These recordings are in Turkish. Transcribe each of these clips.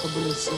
kabul etsin.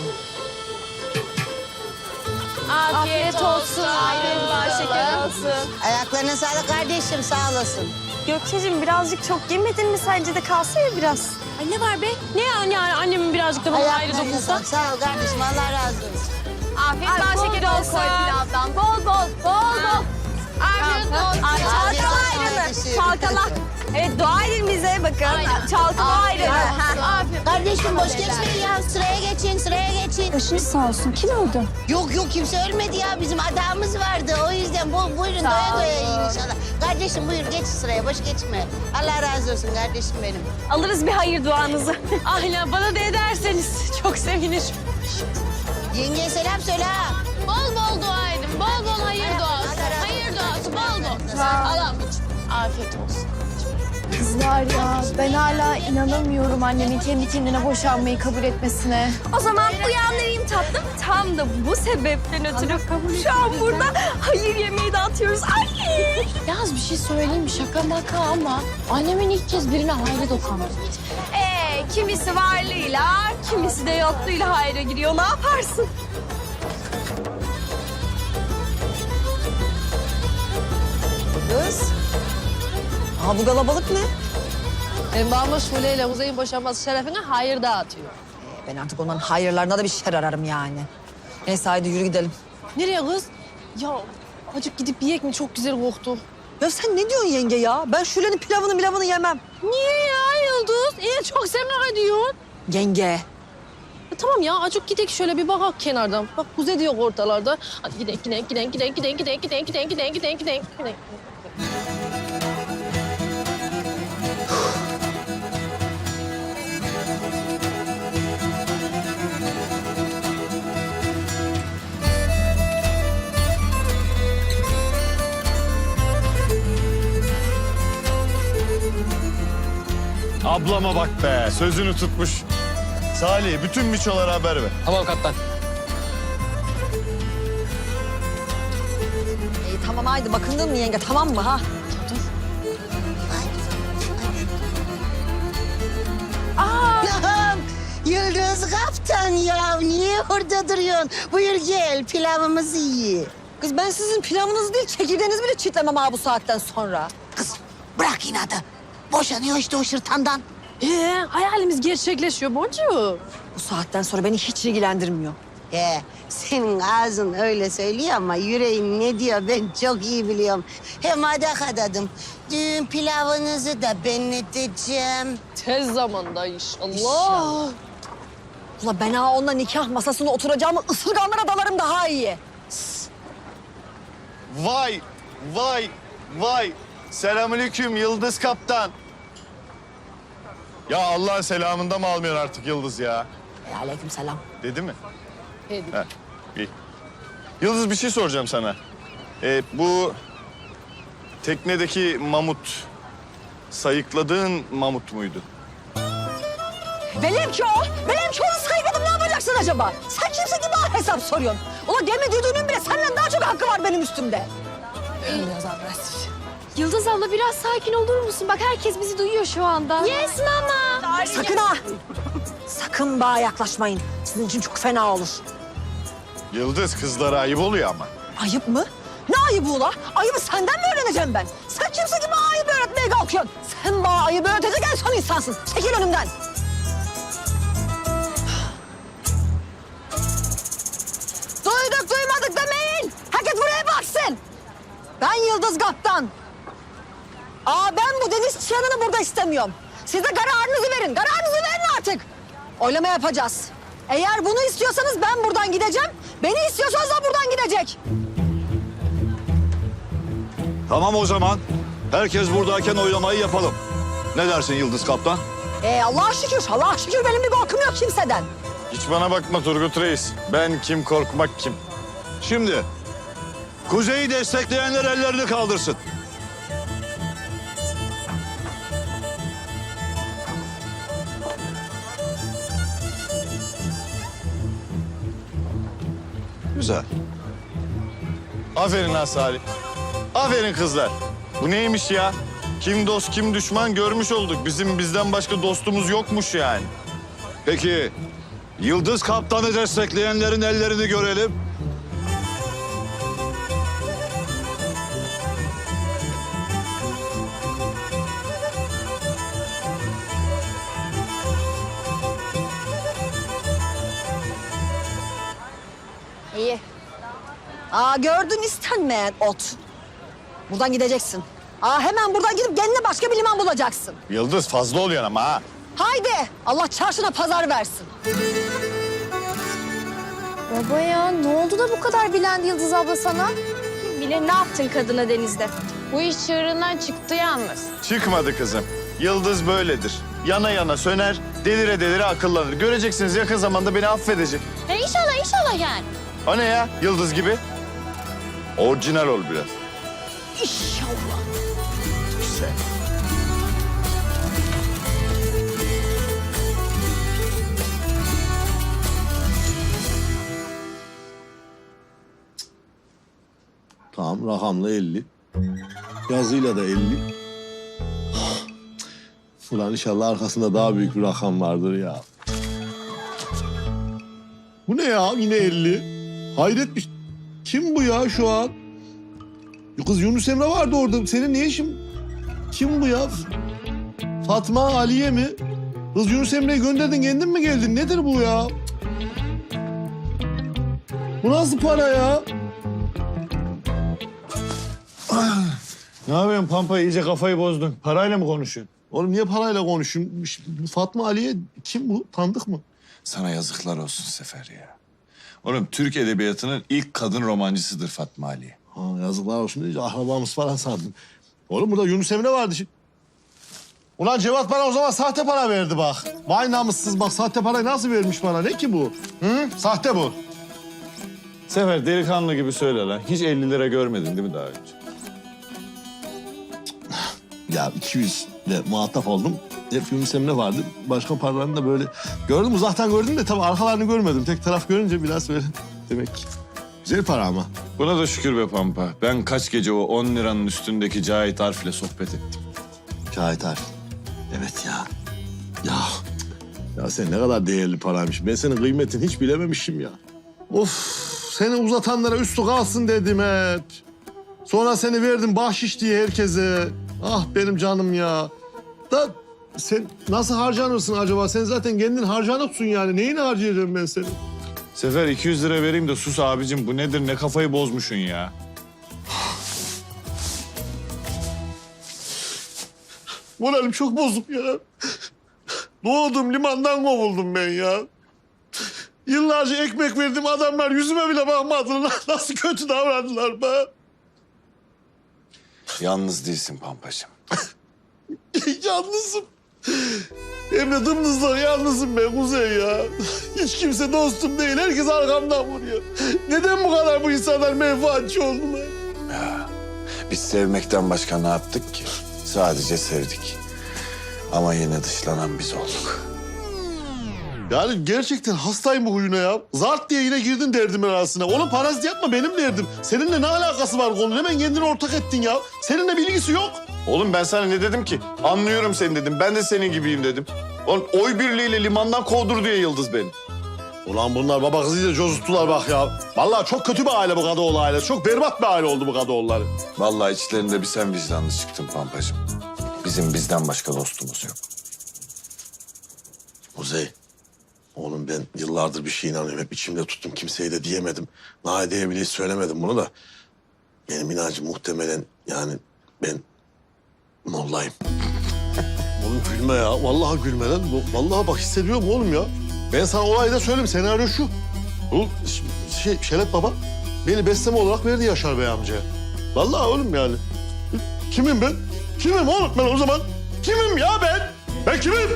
Afiyet olsun. Afiyet var, şeker olsun. Ayaklarına sağlık kardeşim, sağ olasın. Gökçe'cim birazcık çok yemedin mi sence de kalsa ya biraz? Ay ne var be? Ne yani annemin birazcık da bana ayrı Ayaklarına dokunsa? sağlık. Sağ ol kardeşim, Allah razı olsun. Afiyet var, şeker olsun. Bol bol. Afiyet olsun. Afiyet Çalkala olsun ayrını. kardeşim. Çalkala. Evet dua edin bize bakın. Çalkala ayrını. Afiyet. Kardeşim boş geçmeyin ya, sıraya geçin, sıraya geçin. Başınız sağ olsun. Kim öldü? Yok kimse ölmedi ya, bizim adamımız vardı. O yüzden buyurun doya doya yiyin inşallah. Kardeşim buyur geç sıraya, boş geçme. Allah razı olsun kardeşim benim. Alırız bir hayır duanızı. Aynen bana da ederseniz çok sevinirim. Yengeye selam söyle ha. Bol bol dua edin. Bol bol hayır duası. Hayır duası bol bol. Allah'ım afiyet olsun. Kızlar ya ben hala inanamıyorum annemin kendi kendine boşanmayı kabul etmesine. O zaman uyandırayım tatlım. Tam da bu sebepten ötürü şu an burada hayır yemeği dağıtıyoruz. Ay! Yalnız bir şey söyleyeyim mi? Şaka maka ama annemin ilk kez birine hayır dokundu. Kimisi varlığıyla, kimisi de yokluğuyla hayra giriyor. Ne yaparsın? Kız. Aa, bu kalabalık ne? Babamla Şule ile Kuzey'in boşanması şerefine hayır dağıtıyor. Ben artık onların hayırlarına da bir şer ararım yani. Neyse haydi yürü gidelim. Nereye kız? Ya acık gidip yiyek mi? Çok güzel koktu. Ya sen ne diyorsun yenge ya? Ben Şule'nin pilavını yemem. Niye ya Yıldız? Çok sever ediyorsun. Yenge. Tamam ya acık gidelim şöyle bir bakak kenardan. Bak Kuzey diyor ortalarda. Hadi gidelim. Ablama bak be, sözünü tutmuş. Salih, bütün miçolara haber ver. Tamam kaptan. Tamam haydi bakındın mı yenge tamam mı ha? Allah'ım, Yıldız Kaptan ya, niye orada duruyorsun? Buyur gel, pilavımızı ye. Kız ben sizin pilavınızı değil çekirdeğinizi bile çitlemem ha bu saatten sonra. Kız bırak inadı. Boşanıyor işte o şırtandan. Hayalimiz gerçekleşiyor Boncuğum. Bu saatten sonra beni hiç ilgilendirmiyor. Senin ağzın öyle söylüyor ama yüreğin ne diyor ben çok iyi biliyorum. Hem adak adadım. Düğün pilavınızı da ben edeceğim. Tez zamanda inşallah. Ula ben ha onunla nikah masasına oturacağımı ısırganlara dalarım daha iyi. Vay, vay, vay. Selamünaleyküm Yıldız Kaptan. Ya Allah'ın selamında mı almıyorsun artık Yıldız ya? Aleykümselam. Dedi mi? Dedi. Heh, iyi. Yıldız bir şey soracağım sana. Bu teknedeki mamut, sayıkladığın mamut muydu? Benimki o. Benimki onu saymadım ne yapacaksın acaba? Sen kimsin ki bana hesap soruyorsun? Ula gemi düdüğünün bile senden daha çok hakkı var benim üstümde. Biraz agresif. Yıldız abla biraz sakin olur musun? Bak herkes bizi duyuyor şu anda. Yes mama. Sakın ha. Sakın bana yaklaşmayın. Sizin için çok fena olur. Yıldız kızlara ayıp oluyor ama. Ayıp mı? Ne ayıbı ula? Ayıbı senden mi öğreneceğim ben? Sen kimsin ki bana ayıbı öğretmeye kalkıyorsun? Sen bana ayıbı öğretecek en son insansın. Çekil önümden. Duyduk duymadık demeyin. Herkes buraya baksın. Ben Yıldız Kaptan. Ben bu deniz çıyanını burada istemiyorum. Siz de kararınızı verin. Kararınızı verin artık. Oylama yapacağız. Eğer bunu istiyorsanız ben buradan gideceğim. Beni istiyorsanız da buradan gidecek. Tamam o zaman. Herkes buradayken oylamayı yapalım. Ne dersin Yıldız Kaptan? Allah'a şükür, Allah'a şükür benim bir korkum yok kimseden. Hiç bana bakma Turgut Reis. Ben kim korkmak kim? Şimdi Kuzey'i destekleyenler ellerini kaldırsın. Güzel. Aferin ha Salih. Aferin kızlar. Bu neymiş ya? Kim dost kim düşman görmüş olduk. Bizden başka dostumuz yokmuş yani. Peki Yıldız Kaptan'ı destekleyenlerin ellerini görelim. İyi. Aa gördün istenmeyen ot. Buradan gideceksin. Aa hemen buradan gidip kendine başka bir liman bulacaksın. Yıldız fazla oluyor ama ha. Haydi Allah çarşına pazar versin. Baba ya ne oldu da bu kadar bilendi Yıldız abla sana? Bile ne yaptın kadına denizde? Bu iş çığırından çıktı yalnız. Çıkmadı kızım. Yıldız böyledir. Yana yana söner, delire delire akıllanır. Göreceksiniz yakın zamanda beni affedecek. İnşallah yani. O ne ya? Yıldız gibi. Orijinal ol biraz. İnşallah. Güzel. Tamam, rakamla 50. Yazıyla da 50. Ulan inşallah arkasında daha büyük bir rakam vardır ya. Bu ne ya? Yine 50. Hayret bir... Kim bu ya şu an? Kız Yunus Emre vardı orada. Senin ne işin? Kim bu ya? Fatma Aliye mi? Kız Yunus Emre'yi gönderdin, kendin mi geldin? Nedir bu ya? Bu nasıl para ya? Ne yapıyorsun Pampa? İyice kafayı bozdun. Parayla mı konuşuyorsun? Oğlum niye parayla konuşuyorsun? Fatma Aliye kim bu? Tanıdık mı? Sana yazıklar olsun Sefer ya. Oğlum Türk edebiyatının ilk kadın romancısıdır Fatma Ali. Ha, yazıklar olsun deyince akrabamız falan sandım. Oğlum burada Yunus Emre vardı. Ulan Cevat bana o zaman sahte para verdi bak. Vay namussuz bak sahte parayı nasıl vermiş bana? Ne ki bu? Hı? Sahte bu. Sefer delikanlı gibi söyle lan. Hiç 50 lira görmedin değil mi daha önce? Ya 200 ile muhatap oldum. Hep Yunus Emre vardı. Başka paralarını da böyle gördüm. Uzaktan gördüm de tabii arkalarını görmedim. Tek taraf görünce biraz böyle demek ki. Güzel para ama. Buna da şükür be Pampa. Ben kaç gece o 10 liranın üstündeki Cahit Arif'le sohbet ettim. Cahit Arif. Evet ya. Ya sen ne kadar değerli paraymış. Ben senin kıymetini hiç bilememişim ya. Of, seni uzatanlara üstü kalsın dedim hep. Sonra seni verdim bahşiş diye herkese. Ah benim canım ya. Da sen nasıl harcanırsın acaba? Sen zaten kendin harcanıksın yani. Neyini harcayacağım ben seni? Sefer 200 lira vereyim de sus abicim. Bu nedir? Ne kafayı bozmuşsun ya? Moralim çok bozuk ya. Doğdum limandan kovuldum ben ya. Yıllarca ekmek verdim adamlar yüzüme bile bakmadılar. Nasıl kötü davrandılar be. Yalnız değilsin Pampacığım. Yalnızım. Hem de dımdızlar yalnızım ben Kuzey ya. Hiç kimse dostum değil. Herkes arkamdan vuruyor. Neden bu kadar bu insanlar menfaatçi oldular? Biz sevmekten başka ne yaptık ki? Sadece sevdik. Ama yine dışlanan biz olduk. Yani gerçekten hastayım bu huyuna ya. Zart diye yine girdin derdimin arasına. Oğlum parazit yapma benim derdim. Seninle ne alakası var konunun? Hemen kendini ortak ettin ya. Seninle bilgisi yok. Oğlum ben sana ne dedim ki? Anlıyorum seni dedim. Ben de senin gibiyim dedim. Oğlum oy birliğiyle limandan kovdur diye Yıldız beni. Ulan bunlar baba kızıyla cozuttular bak ya. Vallahi çok kötü bir aile bu Kadıoğlu ailesi. Çok berbat bir aile oldu bu Kadıoğulları. Vallahi içlerinde bir sen vicdanlı çıktın Pampacığım. Bizim bizden başka dostumuz yok. Kuzey, oğlum ben yıllardır bir şeye inanıyorum. Hep içimde tuttum. Kimseye de diyemedim. Nadia'ya bile hiç söylemedim bunu da. Benim inancım muhtemelen yani ben mollayım. Oğlum gülme ya. Vallahi gülme lan. Vallahi bak hissediyorum oğlum ya. Ben sana olayı da söyleyeyim. Senaryo şu. Bu Şeref Baba beni besleme olarak verdi Yaşar Bey amcaya. Vallahi oğlum yani. Kimim ben? Kimim oğlum ben o zaman? Kimim ya ben? Ben kimim?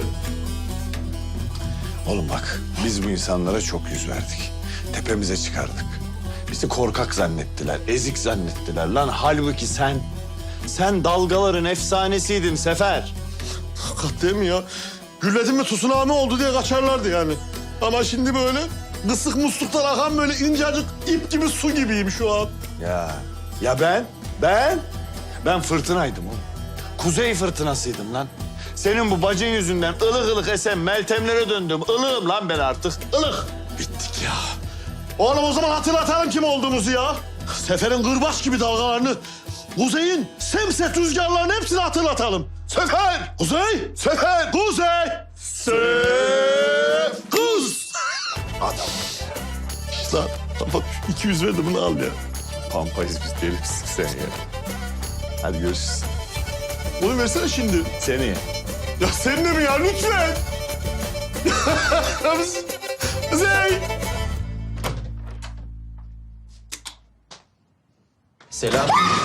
Oğlum bak, biz bu insanlara çok yüz verdik. Tepemize çıkardık. Bizi korkak zannettiler, ezik zannettiler. Lan halbuki sen dalgaların efsanesiydin Sefer. Hakikat değil mi ya? Gülledin mi tsunami oldu diye kaçarlardı yani. Ama şimdi böyle kısık musluktan akan böyle incecik ip gibi su gibiyim şu an. Ya ben fırtınaydım oğlum. Kuzey fırtınasıydım lan. Senin bu bacın yüzünden ılık ılık esen Meltemlere döndüm. Ilığım lan ben artık. Ilık. Bittik ya. Oğlum o zaman hatırlatalım kim olduğumuzu ya. Seferin kırbaç gibi dalgalarını, Kuzey'in semset rüzgarlarını hepsini hatırlatalım. Sefer! Kuzey! Sefer! Kuzey! Kuz! Adam. İşte bak 200 verdi bunu al ya. Pampayız biz deli misin sen ya. Hadi görüşürüz. Bunu versene şimdi. Seneye. Ya sen de mi ya lütfen? Kuzey! Selam.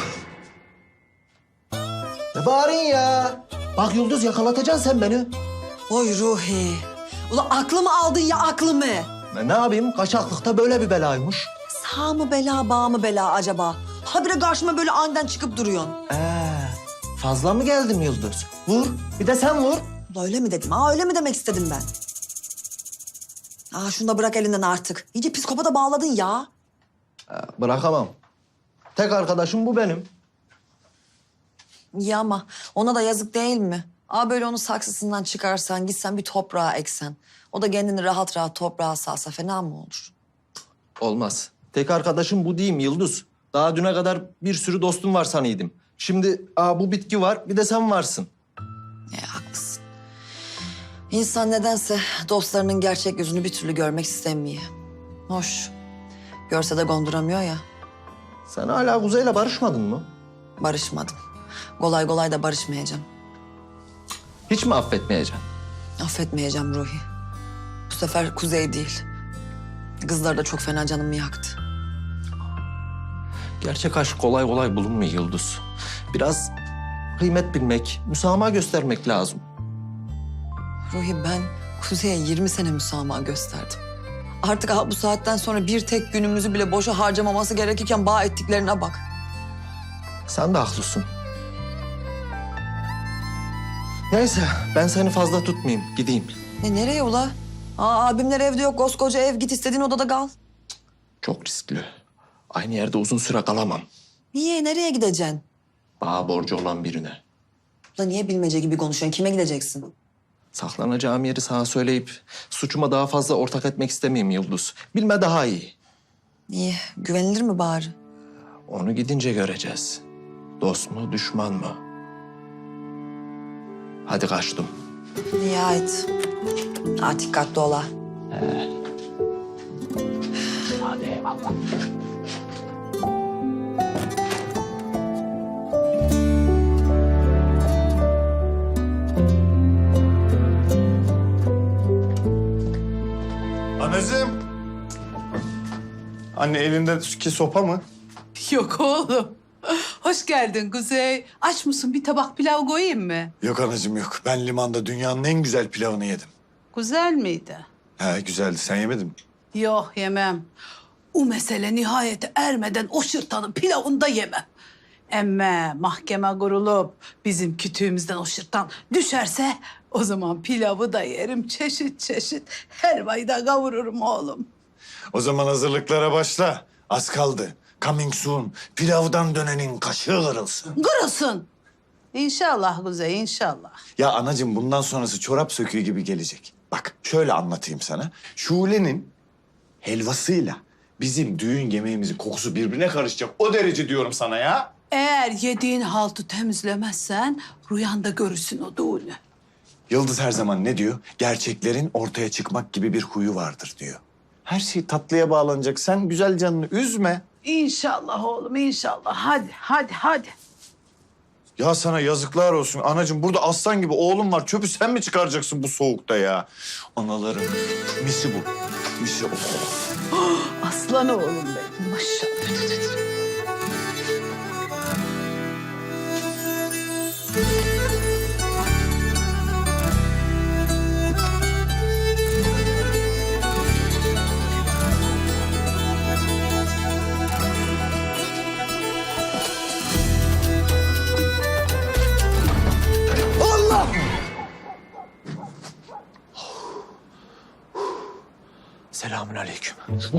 Ne bağırın ya? Bak Yıldız yakalatacaksın sen beni. Oy Ruhi. Ulan aklımı aldın ya aklımı. Ben ne yapayım? Kaçaklıkta böyle bir belaymış. Sağ mı bela, bağ mı bela acaba? Habire karşıma böyle aniden çıkıp duruyorsun. Fazla mı geldim Yıldız? Vur. Bir de sen vur. Ulan öyle mi dedim? Öyle mi demek istedim ben? Şunu da bırak elinden artık. İyice psikopata bağladın ya. Bırakamam. Tek arkadaşım bu benim. İyi ama ona da yazık değil mi? Böyle onu saksısından çıkarsan, gitsen bir toprağa eksen. O da kendini rahat rahat toprağa salsa fena mı olur? Olmaz. Tek arkadaşım bu değil mi Yıldız? Daha düne kadar bir sürü dostum var sanıyordum. Şimdi bu bitki var, bir de sen varsın. Haklısın. İnsan nedense dostlarının gerçek yüzünü bir türlü görmek istemiyor. Hoş. Görse de gonduramıyor ya. Sen hala Kuzey'le barışmadın mı? Barışmadım. Kolay kolay da barışmayacağım. Hiç mi affetmeyeceksin? Affetmeyeceğim Ruhi. Bu sefer Kuzey değil. Kızlar da çok fena canımı yaktı. Gerçek aşk kolay kolay bulunmuyor Yıldız. Biraz kıymet bilmek, müsamaha göstermek lazım. Ruhi ben Kuzey'e 20 sene müsamaha gösterdim. Artık bu saatten sonra bir tek günümüzü bile boşa harcamaması gerekirken bağ ettiklerine bak. Sen de haklısın. Neyse ben seni fazla tutmayayım, gideyim. Nereye ula? Abimler evde yok, koskoca ev. Git istediğin odada kal. Çok riskli. Aynı yerde uzun süre kalamam. Niye? Nereye gideceksin? Bana borcu olan birine. Ula niye bilmece gibi konuşuyorsun? Kime gideceksin? Saklanacağım yeri sana söyleyip suçuma daha fazla ortak etmek istemeyeyim Yıldız. Bilme daha iyi. Niye? Güvenilir mi bari? Onu gidince göreceğiz. Dost mu, düşman mı? Hadi kaçtım. Nihayet. Dikkatli ola. Hadi eyvallah. Anacığım. Anne elindeki sopa mı? Yok oğlum. Hoş geldin Kuzey. Aç mısın? Bir tabak pilav koyayım mı? Yok anacığım yok. Ben limanda dünyanın en güzel pilavını yedim. Güzel miydi? He güzeldi. Sen yemedin mi? Yok yemem. O mesele nihayete ermeden o şırtanın pilavını da yemem. Emme mahkeme kurulup bizim kütüğümüzden o şırtan düşerse o zaman pilavı da yerim çeşit çeşit. Helvayı da kavururum oğlum. O zaman hazırlıklara başla. Az kaldı. Coming soon. Pilavdan dönenin kaşığı kırılsın. Kırılsın. İnşallah Kuzey inşallah. Ya anacığım bundan sonrası çorap söküğü gibi gelecek. Bak şöyle anlatayım sana. Şule'nin helvasıyla bizim düğün yemeğimizin kokusu birbirine karışacak. O derece diyorum sana ya. Eğer yediğin haltı temizlemezsen rüyanda görürsün o düğünü. Yıldız her zaman ne diyor? Gerçeklerin ortaya çıkmak gibi bir huyu vardır diyor. Her şey tatlıya bağlanacak. Sen güzel canını üzme. İnşallah oğlum inşallah. Hadi. Ya sana yazıklar olsun. Anacığım burada aslan gibi oğlum var. Çöpü sen mi çıkaracaksın bu soğukta ya? Anaların misi bu. Misi o. Aslan oğlum benim maşallah. Selamünaleyküm.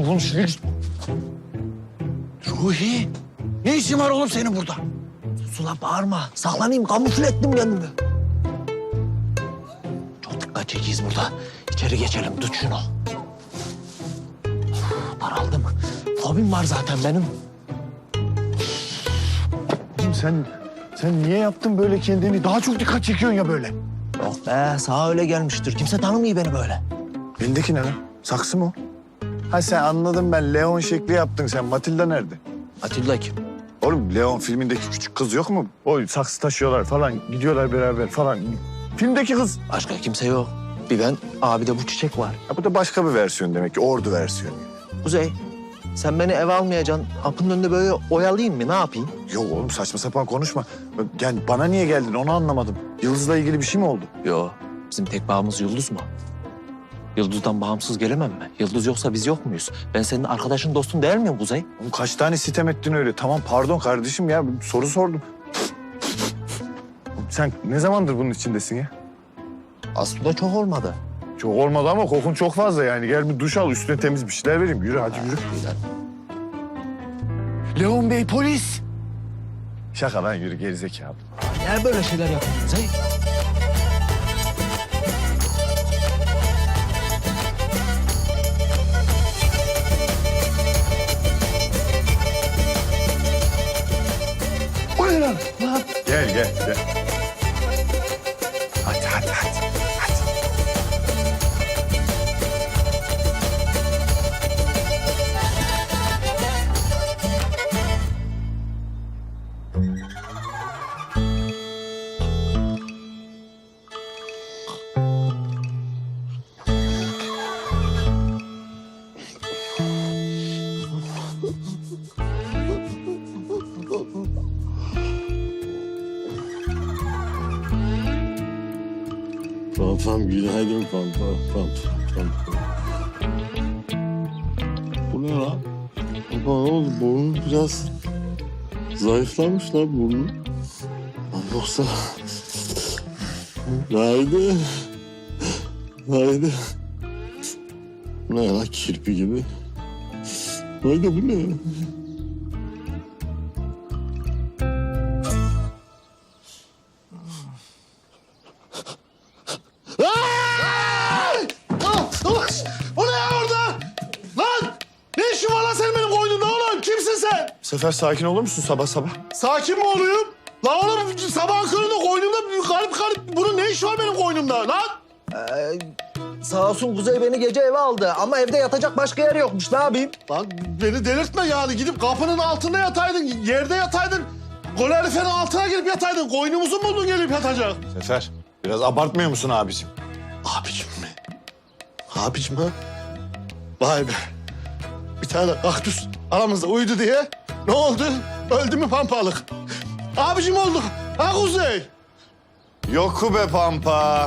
Ruhi, ne işin var oğlum senin burada? Sula bağırma. Saklanayım, kamufle ettim kendimi. dikkat çekiyiz burada. İçeri geçelim, tut şunu. Daraldım. Fobim var zaten benim. Oğlum sen niye yaptın böyle kendini? Daha çok dikkat çekiyorsun ya böyle. Yok be, sağa öyle gelmiştir. Kimse tanımıyor beni böyle. Elindeki ne lan? Saksı mı o? Ha sen anladım ben. Leon şekli yaptın sen. Matilda nerede? Atilla kim? Oğlum Leon filmindeki küçük kız yok mu? O saksı taşıyorlar falan. Gidiyorlar beraber falan. Filmdeki kız. Başka kimse yok. Bir ben, abi de bu çiçek var. Ha, bu da başka bir versiyon demek ki. Ordu versiyonu. Kuzey, sen beni eve almayacaksın. Kapının önünde böyle oyalayayım mı? Ne yapayım? Yok oğlum saçma sapan konuşma. Yani bana niye geldin onu anlamadım. Yıldız'la ilgili bir şey mi oldu? Yo, bizim tek bağımız Yıldız mı? Yıldız'dan bağımsız gelemem mi? Yıldız yoksa biz yok muyuz? Ben senin arkadaşın, dostun değil miyim Kuzey? Oğlum kaç tane sitem ettin öyle? Tamam pardon kardeşim ya soru sordum. Oğlum, sen ne zamandır bunun içindesin ya? Aslında çok olmadı. Çok olmadı ama kokun çok fazla yani. Gel bir duş al üstüne temiz bir şeyler vereyim. Yürü hadi yürü. Leon Bey polis. Şaka lan yürü gerizekalı. Niye böyle şeyler yapıyorsun Kuzey? O ne lan? Gel. Hadi. Pampam günaydın Pampa. Bu ne lan? Pampa ne oldu? Burnun biraz zayıflamış lan burnun. Lan yoksa... Haydi. Bu ne lan kirpi gibi? Haydi bu ne? O ne ya orada? Lan! Ne işin var lan senin benim koynumda oğlum? Kimsin sen? Sefer sakin olur musun sabah sabah? Sakin mi olayım? Lan oğlum sabahın köründe koynumda garip bunun ne işi var benim koynumda lan? Sağ olsun Kuzey beni gece eve aldı ama evde yatacak başka yer yokmuş. Ne yapayım? Lan beni delirtme yani. Gidip kapının altında yataydın, yerde yataydın. Kaloriferin altına girip yataydın. Koynumuzu buldun gelip yatacak. Sefer biraz abartmıyor musun abicim? Abicim mi? Abicim ha? Vay be. Bir tane kaktüs aramızda uyudu diye. Ne oldu? Öldü mü pampalık? Abicim oldu. Ha Kuzey? Yok be Pampa.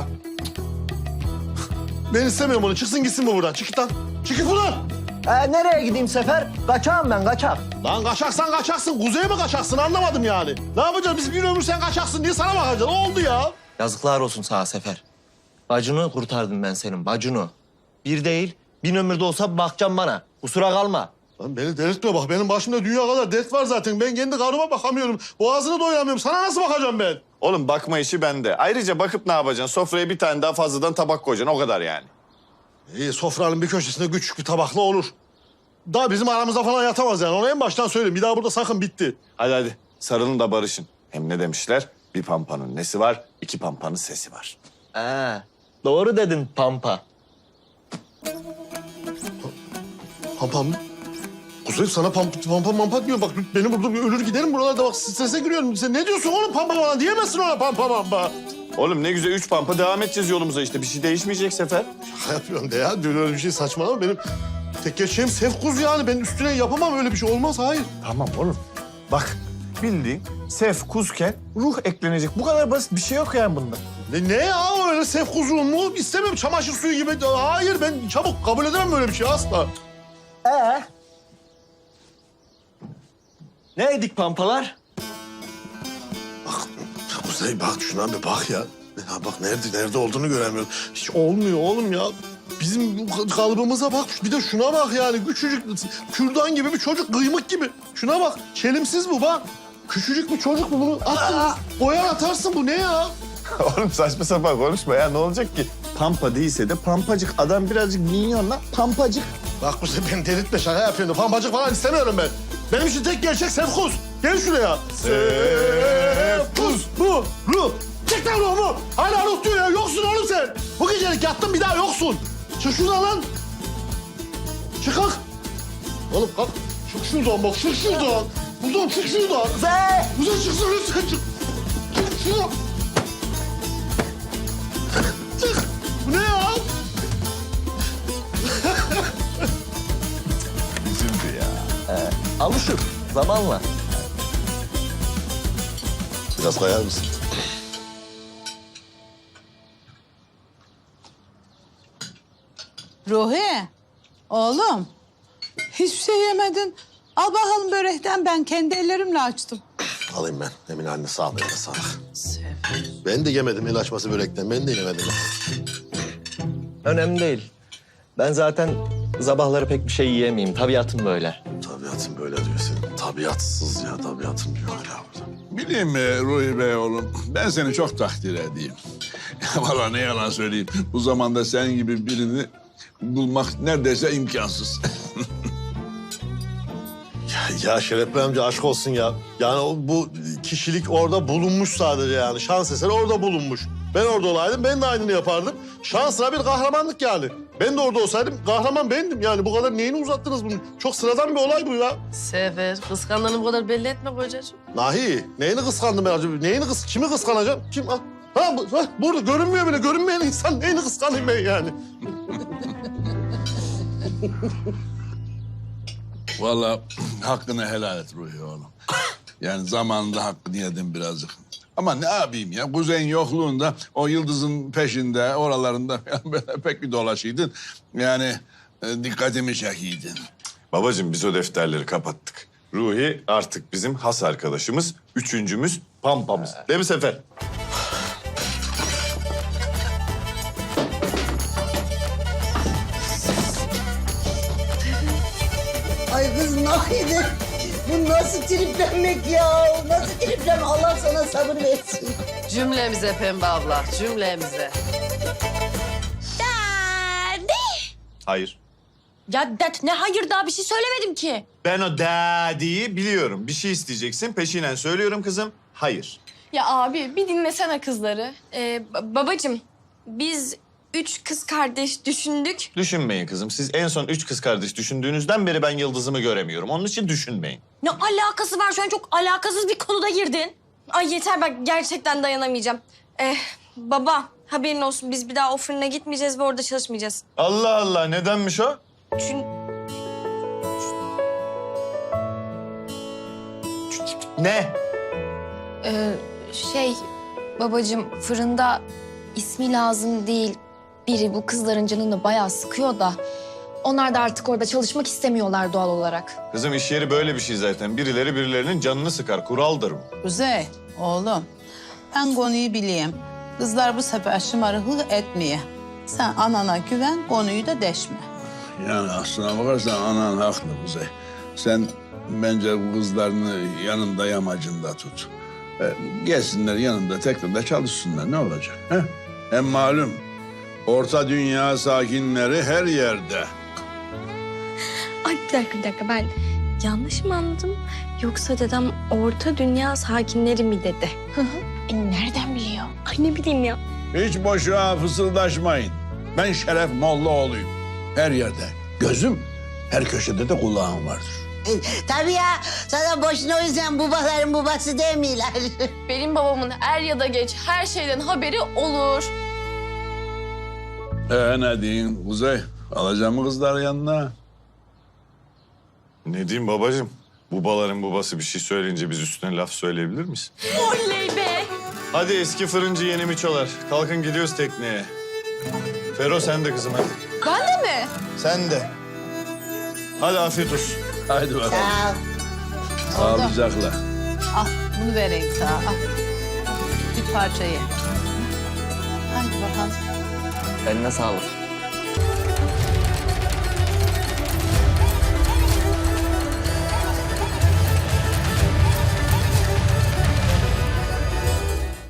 Ben istemiyorum onu. Çıksın gitsin bu buradan. Çık git lan. Çık git buradan. Nereye gideyim Sefer? Kaçağım ben, kaçak. Lan kaçaksan kaçaksın. Kuzey'e mi kaçaksın anlamadım yani. Ne yapacağız? Biz bir ömür sen kaçaksın diye sana bakacağız. Ne oldu ya? Yazıklar olsun sana Sefer. Bacını kurtardım ben senin, bacını. Bir değil, 1000 ömürde olsa bakacağım bana. Kusura kalma. Lan beni delirtme bak. Benim başımda dünya kadar dert var zaten. Ben kendi karıma bakamıyorum. Boğazını doyuramıyorum. Sana nasıl bakacağım ben? Oğlum bakma işi bende. Ayrıca bakıp ne yapacaksın? Sofraya bir tane daha fazladan tabak koyacaksın. O kadar yani. İyi sofranın bir köşesinde küçük bir tabakla olur. Daha bizim aramızda falan yatamaz yani. Onu en baştan söyleyeyim. Bir daha burada sakın bitti. Hadi sarılın da barışın. Hem ne demişler? Bir pampanın nesi var, iki pampanın sesi var. Doğru dedin Pampa. Pampam mı? Kuzey sana pampa diyor. Bak beni burada bir ölür giderim buralarda. Bak strese giriyorum. Sen ne diyorsun oğlum pampa bana? Diyemezsin ona pampa. Oğlum ne güzel 3 pampa devam edeceğiz yolumuza işte. Bir şey değişmeyecek Sefer. Şaka yapıyorum de ya. Dün öyle bir şey saçmalama. Benim tek gerçeğim Sefkuz yani. Ben üstüne yapamam öyle bir şey. Olmaz hayır. Tamam oğlum. Bak bildiğin sef kuzken ruh eklenecek. Bu kadar basit bir şey yok yani bunda. Ne ya öyle Sefkuzluğum mu? İstemem çamaşır suyu gibi. Hayır ben çabuk kabul edemem böyle bir şey asla. Ne edik Pampalar? Kuzey bak şuna bir bak ya. Ya bak nerede olduğunu göremiyorum. Hiç olmuyor oğlum ya. Bizim kalıbımıza bak. Bir de şuna bak yani. Küçücük kürdan gibi bir çocuk. Kıymık gibi. Şuna bak. Çelimsiz bu bak. Küçücük bir çocuk bu. Bunu attın. Boyar atarsın. Bu ne ya? Oğlum saçma sapan konuşma ya. Ne olacak ki? Pampa değilse de pampacık. Adam birazcık minyon lan, pampacık. Bak bu sefer beni delirtme, şaka yapıyorum. Pampacık falan istemiyorum ben. Benim için tek gerçek Sefkuz. Gel şuraya. Sefkuz. Ruh. Çek lan ruhumu. Hala ruh diyor ya. Yoksun oğlum sen. Bu gecelik yattın, bir daha yoksun. Çık şuradan lan. Çık kalk. Oğlum kalk. Çık şuradan bak, çık şuradan. Buradan çık şuradan. Buradan çıksana sen, çık. Çık şuradan. Çık. Bu ne ya? Üzüldü ya. Alışır zamanla. Biraz kayar mısın? Ruhi, oğlum. Hiçbir şey yemedin. Al bakalım börekten, ben kendi ellerimle açtım. Alayım ben. Emine anne sağ ol, eline sağlık. Ben de yemedim el açması börekten. Ben de yemedim. Önemli değil. Ben zaten sabahları pek bir şey yiyemeyeyim. Tabiatım böyle. Tabiatın böyle diyor senin. Tabiatsız ya, tabiatın diyor hala burada. Bileyim mi Ruhi Bey oğlum, ben seni çok takdir edeyim. Vallahi ne yalan söyleyeyim, bu zamanda senin gibi birini bulmak neredeyse imkansız. Ya Şeref Bey amca aşk olsun ya. Yani bu kişilik orada bulunmuş sadece yani. Şans eseri orada bulunmuş. Ben orada olaydım, ben de aynını yapardım. Şansına bir kahramanlık yani. Ben de orada olsaydım kahraman bendim yani. Bu kadar neyini uzattınız bunu? Çok sıradan bir olay bu ya. Sefer, kıskandığını bu kadar belli etme kocacığım. Nahi, neyini kıskandım ben acaba? Kimi kıskanacağım? Kim? Burada görünmüyor bile. Görünmeyen insan neyini kıskanayım ben yani? Vallahi hakkını helal et Ruhi oğlum. Yani zamanında hakkını yedim birazcık. Ama ne yapayım ya, kuzeyin yokluğunda o Yıldız'ın peşinde, oralarında böyle pek bir dolaşıydın. Yani dikkatimi çekiydin. Babacığım biz o defterleri kapattık. Ruhi artık bizim has arkadaşımız, üçüncümüz, pampamız. Değil mi Sefer? Ay kız Nahide. Bu nasıl triplenmek ya? Nasıl triplenmek? Allah sana sabır versin. Cümlemize Pembe abla, cümlemize. Hayır. Ya det ne hayır, daha bir şey söylemedim ki. Ben o daddy'yi biliyorum. Bir şey isteyeceksin, peşinen söylüyorum kızım. Hayır. Ya abi bir dinlesene kızları. Babacığım biz 3 kız kardeş düşündük. Düşünmeyin kızım. Siz en son 3 kız kardeş düşündüğünüzden beri ben Yıldız'ımı göremiyorum. Onun için düşünmeyin. Ne alakası var, şu an çok alakasız bir konuda girdin. Ay yeter, bak gerçekten dayanamayacağım. Baba haberin olsun, biz bir daha o fırına gitmeyeceğiz ve orada çalışmayacağız. Allah Allah, nedenmiş o? Çünkü Ne? Babacığım fırında ismi lazım değil. Biri bu kızların canını bayağı sıkıyor da. Onlar da artık orada çalışmak istemiyorlar doğal olarak. Kızım iş yeri böyle bir şey zaten. Birileri birilerinin canını sıkar. Kuraldır bu. Kuzey, oğlum. Ben konuyu bileyim. Kızlar bu sefer şımarıklık etmeye. Sen anana güven, konuyu da deşme. Yani aslına bakarsan anan haklı Kuzey. Sen bence bu kızlarını yanında yamacında tut. Gelsinler yanında tekrar da çalışsınlar, ne olacak? He? Hem malum orta dünya sakinleri her yerde. ay bir dakika ben yanlış mı anladım? Yoksa dedem orta dünya sakinleri mi dedi? Nereden biliyor? Ay ne bileyim ya. Hiç boşuna fısıldaşmayın. Ben Şeref Mollaoğlu'yum. Her yerde gözüm, her köşede de kulağım vardır. Tabii ya. Sana boşuna o yüzden babaların babası demiyorlar. Benim babamın er ya da geç her şeyden haberi olur. Ne diyeyim Kuzey? Alacağım mı kızları yanına? Ne diyeyim babacığım? Babaların babası bir şey söyleyince biz üstüne laf söyleyebilir miyiz? Oley be. Hadi eski fırıncı yeni miçolar. Kalkın gidiyoruz tekneye. Fero sen de kızım hadi. Ben de mi? Sen de. Hadi afiyet olsun. Haydi bakalım. Sağ ol. Sağlıcakla. Al, bunu vereyim sana. Al. Bir parça ye. Hadi bakalım. Eline sağlık.